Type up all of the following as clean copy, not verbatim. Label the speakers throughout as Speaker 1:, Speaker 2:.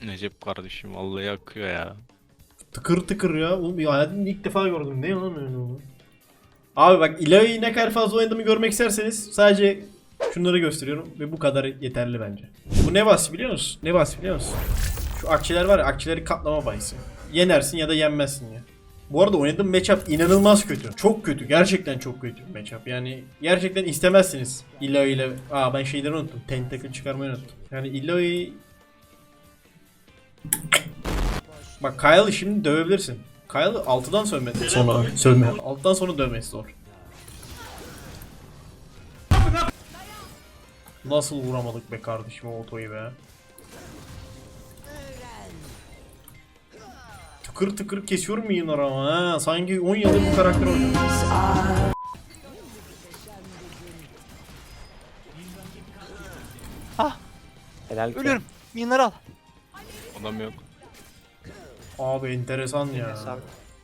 Speaker 1: Necip kardeşim vallahi yakıyor ya.
Speaker 2: Tıkır tıkır ya. Oğlum bir hayatımda ilk defa gördüm. Ne lan öyle oldu? Abi bak Ilaoi'yi ne kadar fazla oynadığımı görmek isterseniz sadece şunları gösteriyorum ve bu kadar yeterli bence. Bu ne bahsi biliyor musun? Ne bahsi biliyor musun? Şu akçeler var ya, akçeleri katlama bahsi. Yenersin ya da yenmezsin ya. Bu arada oynadığım matchup inanılmaz kötü. Çok kötü. Gerçekten çok kötü bir matchup. Yani gerçekten istemezsiniz Ilaoi ile. Aa ben şeyleri unuttum. Tentacle çıkarmayı unuttum. Yani Ilaoi... Bak Kyle'ı şimdi dövebilirsin. Kyle'ı altıdan sövme. Alttan sonra dövmesi zor. Nasıl vuramadık be kardeşim o otoyu be. Tıkır tıkır kesiyorum yayınlar ama ha. Sanki 10 yıldır bu karakter oynuyor.
Speaker 3: Ah!
Speaker 4: Helal ki.
Speaker 3: Ölüyorum. Minları al.
Speaker 1: Adam yok.
Speaker 2: Abi enteresan ya.
Speaker 3: Hesabı.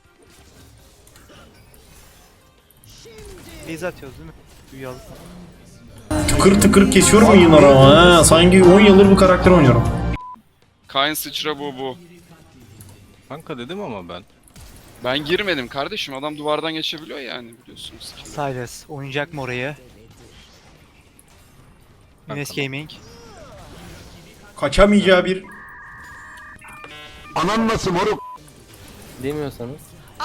Speaker 3: Base atıyoruz değil mi? Büyü alıp.
Speaker 2: Tıkır tıkır kesiyorum yayınlar ama ha. Sanki 10 yıldır bu karakter oynuyorum.
Speaker 5: Kayn sıçra bu.
Speaker 1: Kanka dedim ama ben.
Speaker 5: Ben girmedim kardeşim. Adam duvardan geçebiliyor yani biliyorsunuz.
Speaker 3: Silas oynayacak mı orayı? Enes Gaming.
Speaker 2: Kaçamayacağı bir...
Speaker 4: Demiyorsanız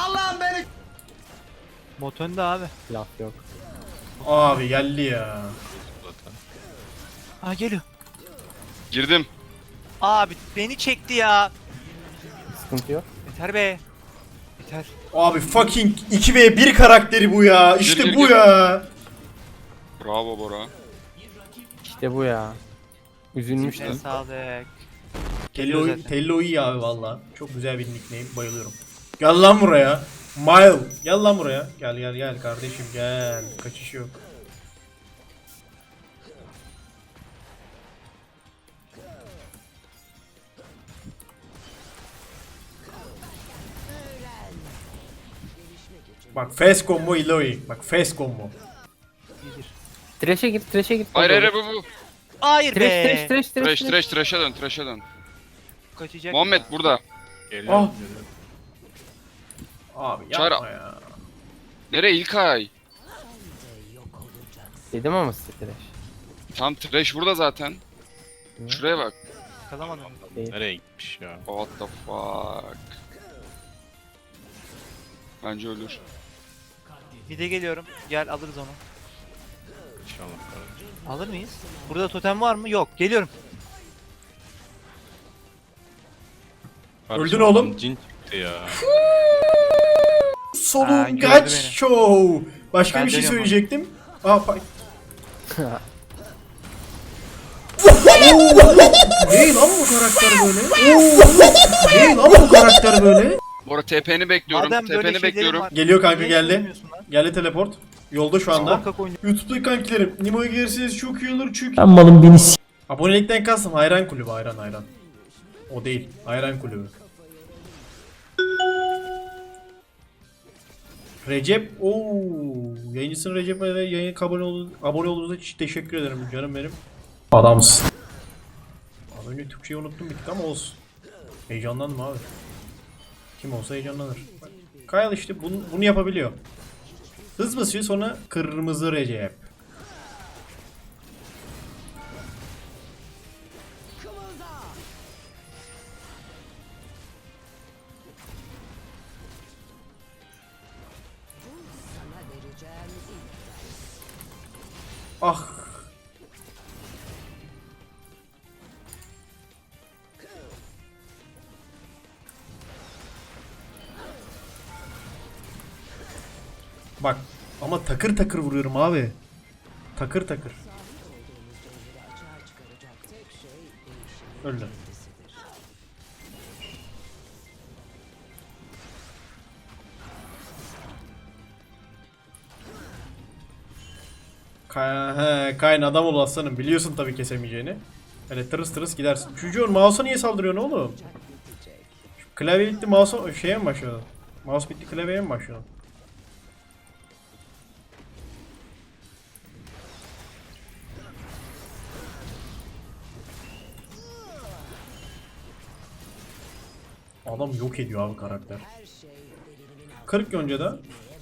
Speaker 3: Bot önde abi.
Speaker 4: laf yok.
Speaker 2: Abi geldi ya.
Speaker 1: Zaten.
Speaker 3: Aa geliyor.
Speaker 5: Girdim.
Speaker 3: Abi beni çekti ya.
Speaker 4: Sıkıntı yok.
Speaker 3: Yeter be. Yeter.
Speaker 2: Abi fucking 2v1 karakteri bu ya. İşte
Speaker 5: Gir, gir,
Speaker 2: bu
Speaker 5: gir.
Speaker 2: ya.
Speaker 5: Bravo Bora.
Speaker 4: İşte bu ya. Üzülmüştüm.
Speaker 3: Eline sağlık.
Speaker 2: Tello iyi abi valla. Çok güzel bir nickname. Bayılıyorum. Gel lan buraya. Mile. Gel lan buraya. Gel kardeşim gel. Kaçış yok. Bak fast combo Ilaoi. Bak fast combo.
Speaker 3: İyidir.
Speaker 4: Trash'e git.
Speaker 5: Hayır bu.
Speaker 3: Hayır be.
Speaker 5: Trash'e dön.
Speaker 3: Kaçacak.
Speaker 5: Muhammed burada.
Speaker 1: Geliyor.
Speaker 2: Ah. Abi
Speaker 5: Çağır-
Speaker 2: yapma ya.
Speaker 5: Nereye İlkay?
Speaker 4: Dedim ama size trash.
Speaker 5: Tam trash burada zaten. Şuraya bak.
Speaker 3: Kalamadım.
Speaker 4: Değil.
Speaker 1: Nereye gitmiş ya?
Speaker 5: What the fuck. Bence ölür.
Speaker 3: Bir de geliyorum. Gel alırız onu.
Speaker 1: İnşallah kardeşim.
Speaker 3: Alır mıyız? Burada totem var mı? Yok. Geliyorum.
Speaker 1: Kardeşim,
Speaker 2: Öldün oğlum.
Speaker 1: adam Cin çıktı ya.
Speaker 3: Ha,
Speaker 2: Solun
Speaker 3: gördü
Speaker 2: kaç
Speaker 3: beni.
Speaker 2: show. Başka
Speaker 3: Ben
Speaker 2: bir şey
Speaker 3: dönüyorum.
Speaker 2: söyleyecektim. Aa Değil lan bu karakter böyle. Değil lan bu karakter böyle.
Speaker 5: Bora TP'ni bekliyorum.
Speaker 3: Madem böyle
Speaker 5: TP'ni
Speaker 3: şeylerin
Speaker 5: bekliyorum.
Speaker 3: var,
Speaker 2: Geliyor kanka
Speaker 3: niye
Speaker 2: geldi.
Speaker 3: söylemiyorsun lan?
Speaker 2: Geldi teleport. Yolda şu anda.
Speaker 3: Muhakkak oynuyor.
Speaker 2: YouTube'daki kankilerim. Nimo'ya gelirseniz çok iyi olur çünkü. Ben malım beni Abonelikten kastım hayran kulübü hayran. O değil. Hayran kulübü. Recep yayıncısın Recep ve yayına abone olduğunuz için teşekkür ederim canım benim. Adamsın. Az önce Türkçeyi unuttum bir tık ama olsun. Heyecanlandım abi. Kim olsa heyecanlanır. Bak, Kyle işte bunu yapabiliyor. Hız basıyor sonra kırmızı Recep. Ah. Bak ama takır takır vuruyorum abi. Takır takır. Öldü. Kayn adam ol aslanım. Biliyorsun tabii kesemeyeceğini. Öyle tırıs tırıs gidersin. Çocuğun mouse'a niye saldırıyorsun oğlum? Şu klavye bitti mouse'a şeye mi başladın? Mouse bitti klavyeye mi başladın? Adam yok ediyor abi karakter. 40 Yonca'da.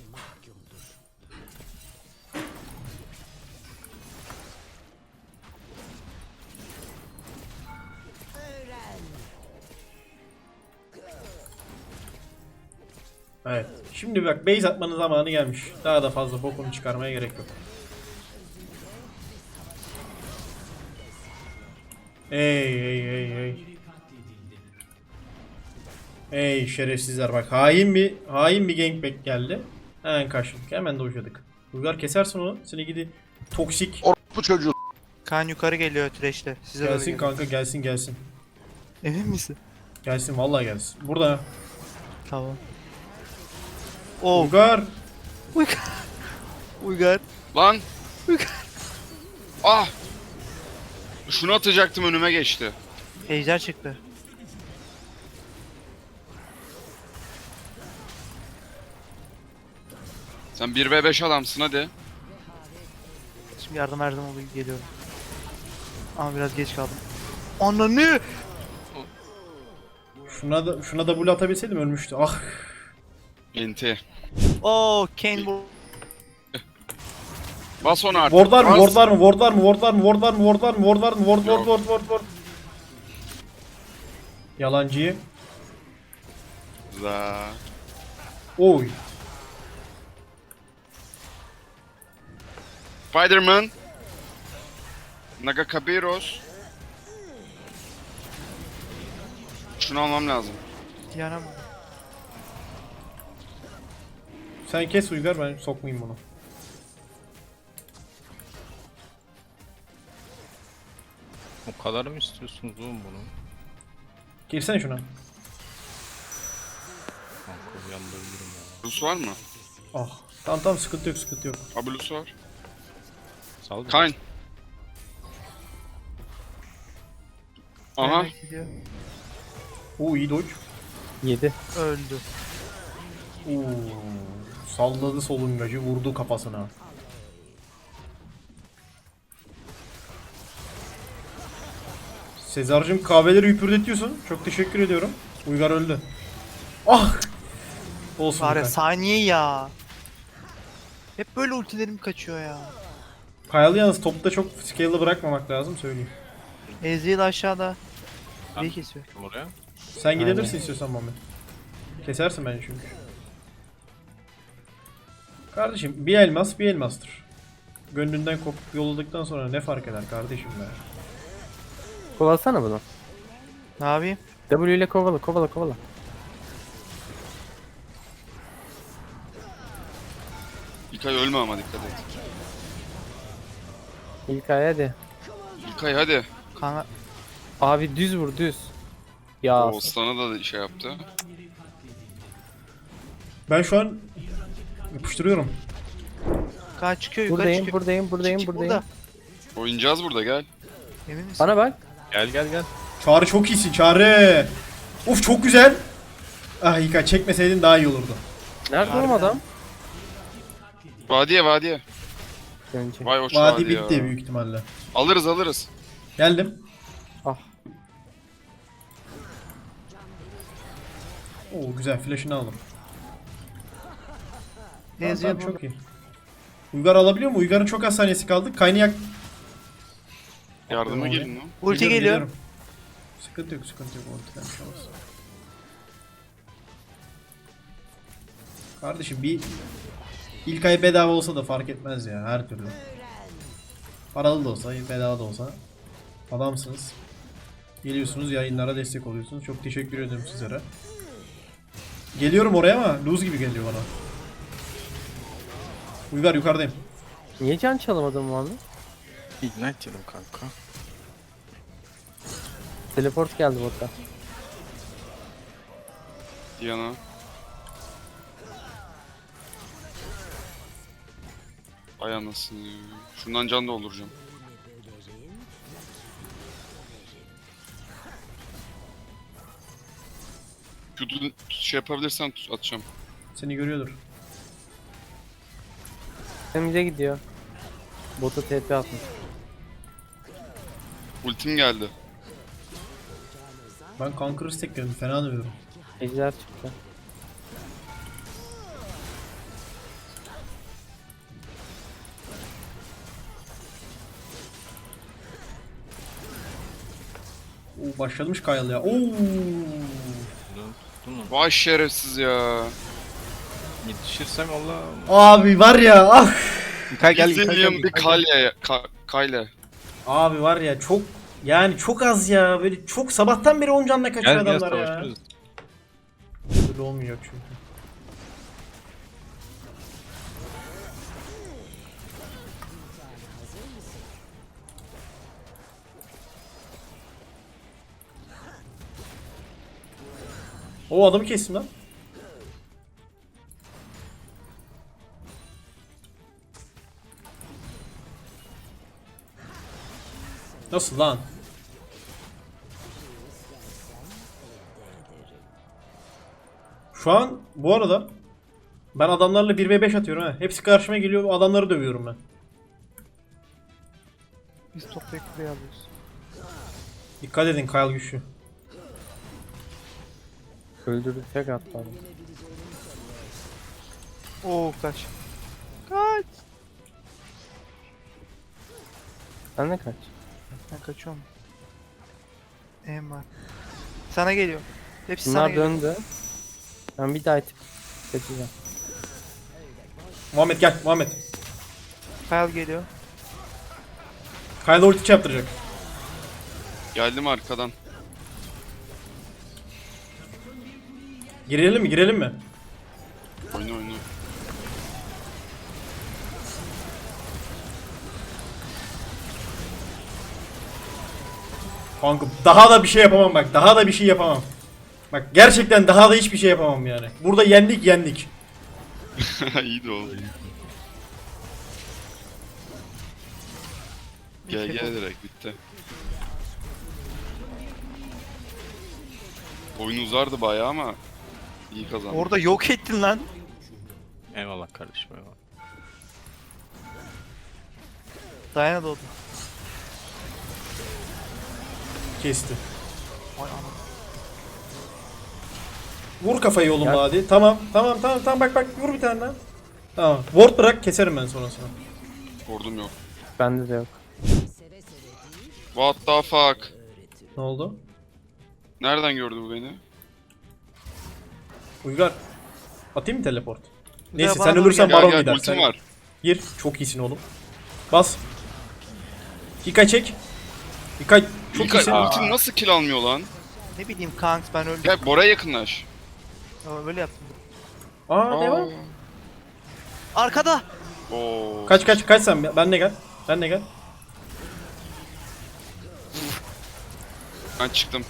Speaker 2: Evet. Şimdi bak base atmanın zamanı gelmiş. Daha da fazla bokunu çıkarmaya gerek yok. Ey. Ey şerefsizler bak hain bir gangbang geldi. Hemen karşılık hemen dojladık. Uygar kesersin onu. Seni gidi toksik.
Speaker 3: Kaan yukarı geliyor Thresh'te. Size doğru
Speaker 2: Gelsin
Speaker 3: geliyor.
Speaker 2: kanka gelsin.
Speaker 3: Emin misin?
Speaker 2: Gelsin vallahi gelsin. Burada.
Speaker 3: Tamam. Oh.
Speaker 2: Uygar.
Speaker 3: Uygar.
Speaker 5: Lan. Ah. Şunu atacaktım önüme geçti.
Speaker 3: Ejder çıktı.
Speaker 5: Sen 1v5 adamsın hadi.
Speaker 3: Şimdi yardım oluyor geliyorum. Ama biraz geç kaldım. Ananı!
Speaker 2: Şuna da bul atabilseydim ölmüştü. Ah.
Speaker 5: Enti.
Speaker 3: Oh, Kane bu.
Speaker 5: Bas onu artık.
Speaker 2: Ward
Speaker 5: bas.
Speaker 2: var mı? Ward. Yalancıyı.
Speaker 5: Za.
Speaker 2: Oy.
Speaker 5: Spider-Man. Nagakabiros. Şunu almam lazım.
Speaker 3: Diana mı?
Speaker 2: Sen kes Uygar ben sokmayayım bunu.
Speaker 1: O kadar mı istiyorsunuz oğlum bunu?
Speaker 2: Girsene şuna.
Speaker 1: Kanka uyandırırım ya.
Speaker 5: Blus var mı?
Speaker 2: Ah. Tamam sıkıntı yok.
Speaker 5: Blus var.
Speaker 1: Sal.
Speaker 5: Kayn. Aha.
Speaker 3: Diana gidiyor.
Speaker 2: Oo iyi dodge.
Speaker 4: 7.
Speaker 3: Öldü.
Speaker 2: Oo. Salladı solungacı vurdu kafasına. Sezar'cığım kahveleri hüpürdetiyorsun. Çok teşekkür ediyorum. Uygar öldü. Ah! Olsun.
Speaker 3: Var ya
Speaker 2: Uygar.
Speaker 3: saniye ya. Hep böyle ultilerim kaçıyor ya.
Speaker 2: Kayalı yalnız topta çok scale'ı bırakmamak lazım söyleyeyim.
Speaker 3: Ezreal aşağıda.
Speaker 1: Tamam.
Speaker 3: Bir kesiyor.
Speaker 1: Kim oraya?
Speaker 2: Sen gidebilirsin istiyorsan Mami. Kesersin beni çünkü. Kardeşim bir elmas bir elmastır. Gönlünden kopup yolladıktan sonra ne fark eder kardeşim be.
Speaker 4: Kovalasana bunu.
Speaker 3: Ne yapayım?
Speaker 4: W ile kovala.
Speaker 5: İlkay ölme ama dikkat et.
Speaker 4: İlkay hadi.
Speaker 5: İlkay hadi.
Speaker 3: Kanka
Speaker 4: Abi düz vur düz. Ya
Speaker 5: Oğuzhan'a da şey yaptı.
Speaker 2: Ben şu an yapıştırıyorum.
Speaker 3: Kaan çıkıyor yukarı çıkıyor.
Speaker 4: buradayım.
Speaker 3: Çık burada.
Speaker 5: Oynayacağız burada gel.
Speaker 3: Emin misin?
Speaker 4: Bana bak.
Speaker 1: Gel.
Speaker 2: Çağrı çok iyisin Çağrı. Uf çok güzel. Ah İlkay çekmeseydin daha iyi olurdu.
Speaker 4: Nerede oğlum adam?
Speaker 5: Vadiye.
Speaker 4: Önce.
Speaker 5: Vay hoş
Speaker 2: Vadi
Speaker 5: vadi
Speaker 2: bitti
Speaker 5: ya.
Speaker 2: büyük ihtimalle.
Speaker 5: Alırız.
Speaker 2: Geldim.
Speaker 4: Ah.
Speaker 2: Oo güzel flash'ını aldım.
Speaker 3: Ezreal
Speaker 2: Tamam, çok iyi. Uygar alabiliyor mu? Uygar'ın çok az saniyesi kaldı. Kaynayak.
Speaker 5: Yardıma gelin lan.
Speaker 3: Ulti
Speaker 2: Geliyorum,
Speaker 3: geliyor.
Speaker 2: geliyorum. Sıkıntı yok. Ultiden bir şey olmaz. Kardeşim bir ilk ay bedava olsa da fark etmez ya her türlü. Paralı da olsa, bedava da olsa adamsınız. Geliyorsunuz yayınlara destek oluyorsunuz. Çok teşekkür ederim sizlere. Geliyorum oraya ama lose gibi geliyor bana. Uygar yukarıdayım.
Speaker 4: Niye can çalamadın bu anda?
Speaker 1: Ignite yedim kanka.
Speaker 4: Teleport geldi botta.
Speaker 5: Diana. Ay anasını ya. Şundan can dolduracağım. Kutu şey yapabilirsen atacağım.
Speaker 2: Seni görüyordur.
Speaker 4: Önümüze gidiyor. Bota TP atmış.
Speaker 5: Ultim geldi.
Speaker 2: Ben Conqueror tekledim. Fena dövüyorum.
Speaker 4: Ejder çıktı.
Speaker 2: Oo, başlamış Kyle ya. Oo.
Speaker 1: Bunu tuttun mu?
Speaker 5: Vay şerefsiz ya.
Speaker 1: Yetişirsem valla.
Speaker 2: Abi var ya ah.
Speaker 1: Kay gel gel
Speaker 5: Zillion
Speaker 1: gel.
Speaker 5: bir kalye. Kayle.
Speaker 2: Abi var ya çok yani çok az ya. Böyle çok sabahtan beri 10 canla kaçıyor
Speaker 1: Gel gel
Speaker 2: adamlar ya.
Speaker 1: savaşırız.
Speaker 2: Böyle olmuyor çünkü. O adamı kestim lan. Nasıl lan? Şu an bu arada ben adamlarla 1v5 atıyorum ha. Hepsi karşıma geliyor, adamları dövüyorum ben.
Speaker 3: Biz toplayıp buraya alıyoruz.
Speaker 2: Dikkat edin Kyle güçlü.
Speaker 4: Öldürdü tek attı adam.
Speaker 3: Oo kaç. Kaç.
Speaker 4: Sen de kaç.
Speaker 3: Ben kaçıyorum. Em var. Sana geliyor. Hepsi sana
Speaker 4: Bunlar
Speaker 3: geliyor.
Speaker 4: döndü. Ben bir daha itip kaçacağım.
Speaker 2: Muhammed gel Muhammed.
Speaker 3: Kyle geliyor.
Speaker 2: Kyle ulti yaptıracak.
Speaker 5: Geldim arkadan.
Speaker 2: Girelim mi girelim mi?
Speaker 5: Oyna oyna.
Speaker 2: Kanka daha da bir şey yapamam bak. Daha da bir şey yapamam. Bak gerçekten daha da hiçbir şey yapamam yani. Burada yendik yendik.
Speaker 5: İyi de oldu. Gel
Speaker 3: Bir
Speaker 5: gel
Speaker 3: tek
Speaker 5: direkt bitti. Oyun uzardı bayağı ama iyi kazandık.
Speaker 3: Orada yok ettin lan.
Speaker 1: Eyvallah kardeşim eyvallah.
Speaker 3: Diana doğdu.
Speaker 2: Kesti.
Speaker 3: Vay anam.
Speaker 2: Vur kafayı oğlum
Speaker 4: Gel.
Speaker 2: hadi. Tamam tamam bak bak vur bir tane daha. Tamam. Ward bırak keserim ben sonrasını.
Speaker 5: Ordum yok.
Speaker 4: Bende de yok.
Speaker 5: What the fuck?
Speaker 2: Ne oldu?
Speaker 5: Nereden gördü bu beni?
Speaker 2: Uygar. Atayım mı teleport? Neyse
Speaker 3: bana
Speaker 2: sen
Speaker 3: doğru
Speaker 2: ölürsen
Speaker 3: gel.
Speaker 2: baron
Speaker 5: Gel
Speaker 2: gider.
Speaker 5: ultim
Speaker 2: Sen
Speaker 5: var.
Speaker 2: gir. Çok iyisin oğlum. Bas. Hikay çek. Hikay çok
Speaker 5: İlkay
Speaker 2: iyisin.
Speaker 5: ultim nasıl kill almıyor lan?
Speaker 3: Ne bileyim kanks ben öldüm.
Speaker 5: Gel Bora'ya yakınlaş.
Speaker 3: Ama böyle yaptım.
Speaker 2: Aa devam.
Speaker 3: Arkada.
Speaker 5: Oo.
Speaker 2: Kaç sen ben de gel. Ben de gel.
Speaker 5: Ben çıktım.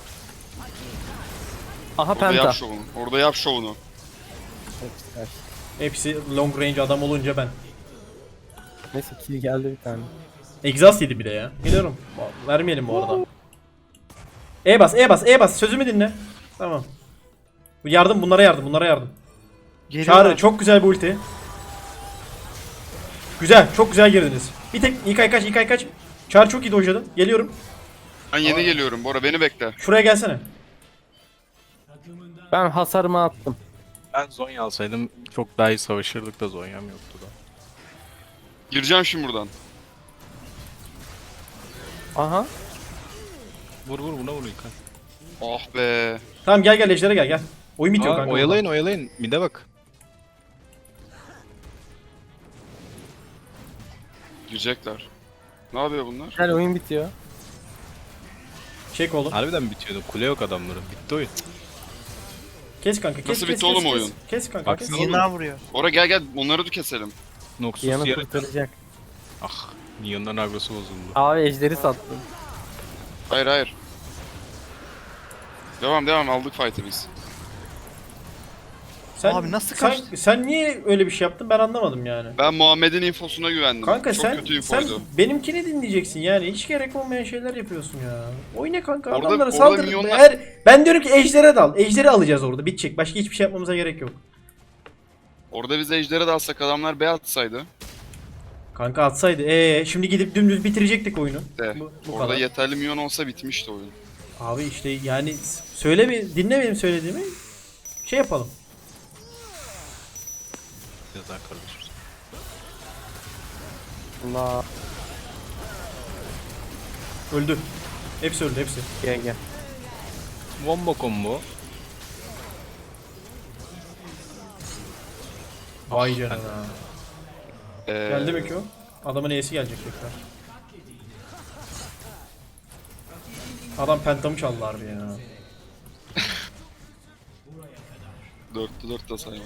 Speaker 4: Aha
Speaker 5: Orada
Speaker 4: penta.
Speaker 5: yap şovunu. Orada yap şovunu.
Speaker 4: Hepsi kaç.
Speaker 2: Hepsi long range adam olunca ben.
Speaker 4: Neyse kill geldi bir tane.
Speaker 2: Exhaust yedi bile ya. Geliyorum. Vermeyelim bu arada. E bas. Sözümü dinle. Tamam. Bu yardım bunlara yardım.
Speaker 3: Geliyorlar.
Speaker 2: Çağrı çok güzel bir ulti. Güzel, çok güzel girdiniz. Bir tek İlkay kaç. Çağrı çok iyi dojladın. Geliyorum.
Speaker 5: Ben yeni geliyorum Bora beni bekle.
Speaker 2: Şuraya gelsene.
Speaker 4: Ben hasarımı attım.
Speaker 1: Ben Zonya alsaydım çok daha iyi savaşırdık da Zonya'm yoktu da.
Speaker 5: Gireceğim şimdi buradan.
Speaker 4: Aha.
Speaker 1: Vur buna vur İlkay.
Speaker 5: Ah be.
Speaker 2: Tamam gel Ejder'e gel. Oyun bitiyor kanka.
Speaker 1: Oyalayın. Mide bak.
Speaker 5: Girecekler. Ne yapıyor bunlar?
Speaker 4: Gel oyun bitiyor.
Speaker 2: Çek oğlum.
Speaker 1: Harbiden bitiyordu. Kule yok adamların. Bitti oyun.
Speaker 2: Kes kanka. Kes,
Speaker 5: Nasıl
Speaker 2: kes,
Speaker 5: bitti
Speaker 2: kes,
Speaker 5: oğlum
Speaker 2: kes.
Speaker 5: oyun?
Speaker 2: Kes kanka.
Speaker 1: Bak
Speaker 2: Kes.
Speaker 1: sen-
Speaker 3: Yine vuruyor.
Speaker 5: Bora gel onları da keselim.
Speaker 1: Noxus
Speaker 4: Yanı
Speaker 1: yere...
Speaker 4: kurtaracak.
Speaker 1: Ah. Neon'dan agrosu bozuldu.
Speaker 4: Abi ejderi sattım.
Speaker 5: Hayır. Devam aldık fight'ı biz.
Speaker 2: Sen,
Speaker 3: Abi nasıl
Speaker 2: sen,
Speaker 3: kaçtı?
Speaker 2: sen niye öyle bir şey yaptın ben anlamadım yani.
Speaker 5: Ben Muhammed'in infosuna güvendim.
Speaker 2: Kanka
Speaker 5: Çok
Speaker 2: sen
Speaker 5: kötü infoydu.
Speaker 2: benimkini dinleyeceksin yani. Hiç gerek olmayan şeyler yapıyorsun ya. Oyna kanka
Speaker 5: Orada-
Speaker 2: adamlara
Speaker 5: orada
Speaker 2: saldır.
Speaker 5: milyonlar-
Speaker 2: Ben diyorum ki Ejder'e dal. Ejder'i alacağız orada. Bitecek. Başka hiçbir şey yapmamıza gerek yok.
Speaker 5: Orada biz ejderi de alsak adamlar B atsaydı.
Speaker 2: Kanka atsaydı. Şimdi gidip dümdüz bitirecektik oyunu.
Speaker 5: De.
Speaker 2: Bu
Speaker 5: Orada
Speaker 2: kadar.
Speaker 5: yeterli milyon olsa bitmişti oyun.
Speaker 2: Abi işte yani söyle bir dinle benim söylediğimi. Şey yapalım.
Speaker 1: Yazar kardeşim.
Speaker 4: Allah.
Speaker 2: Öldü. Hepsi öldü hepsi.
Speaker 4: Gel.
Speaker 1: Wombo combo.
Speaker 2: Vay canına. Geldi mi ki o? Adamın E'si gelecek tekrar. Adam pentamı çaldı harbi ya.
Speaker 5: 4'te 4 de saymadım.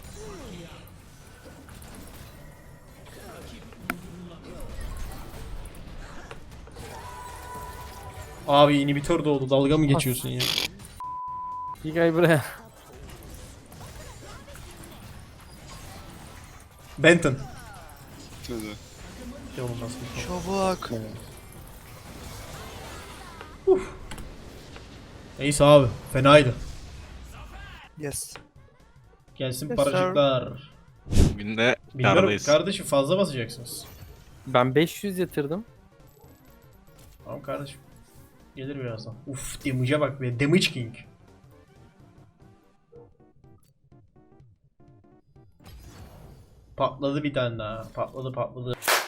Speaker 2: Abi inhibitör doğdu. Dalga mı geçiyorsun ya?
Speaker 4: Gel buraya.
Speaker 2: Benton.
Speaker 5: Şöyle.
Speaker 2: Yolun nasıl?
Speaker 3: Çabuk.
Speaker 2: Neyse abi. Fenaydı.
Speaker 3: Yes.
Speaker 2: Gelsin
Speaker 3: Yes,
Speaker 2: paracıklar.
Speaker 1: Bugün de
Speaker 2: Bilmiyorum
Speaker 1: kârdayız.
Speaker 2: kardeşim fazla basacaksınız.
Speaker 4: Ben 500 yatırdım.
Speaker 2: Tamam kardeşim. Gelir birazdan. Uf damage'a bak be. Damage King. Patladı bir tane daha. Patladı.